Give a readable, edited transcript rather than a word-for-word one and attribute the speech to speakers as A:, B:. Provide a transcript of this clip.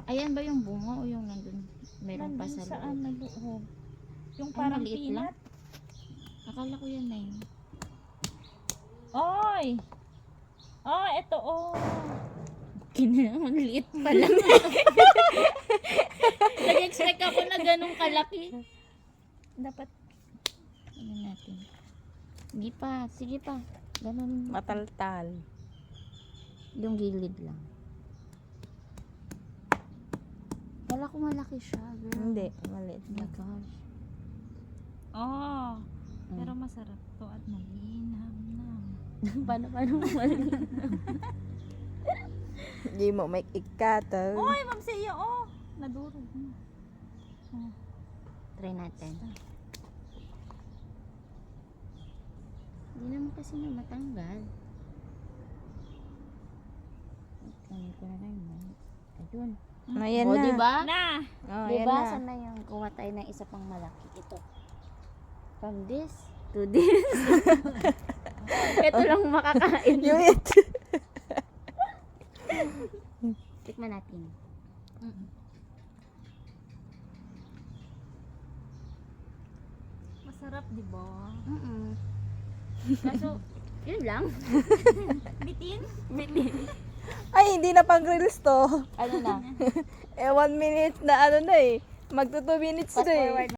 A: Ayan ba yung bunga o yung nandun? Meron pa
B: Nandun
A: sa
B: saan
A: loob.
B: na loob? Yung
A: Ay,
B: parang
A: maliit lang.
B: peanut.
A: Akala ko yan na yun.
B: Oy! Oh, eto oh.
A: Ang liit pa lang. Nag-expect ako na ganun kalaki.
B: Dapat
A: Ano natin? Hindi pa. Sige pa. Ganun.
C: Mataltal.
A: Yung gilid lang. Wala ko malaki siya. Girl.
C: Hindi, maliit
A: Oh my
C: lang.
A: gosh.
B: oh. Pero masarap to at malinam.
A: paano mali?
C: Hindi mo may ikato.
B: Oy, Ma'am Sia, oh. Nadurog na. Oh.
A: Try natin. Hindi naman kasi na matanggal. Kunin ko na lang yun. Ayun.
C: Ayan
A: O,
C: na.
A: diba?
B: Na!
C: Oh,
A: Diba?
C: ayan na.
A: Sana yung kuha tayo ng isa pang malaki. Ito. From this to this. Ito lang makakain.
C: Yung it.
A: Tikman natin.
B: Masarap, di ba?
A: Kaso, yun lang.
B: Bitin?
C: Ay, hindi na pang reels to.
A: Ano na?
C: 1 minute na ano na eh. Magto 2 minutes
A: Fast
C: na eh.
A: forward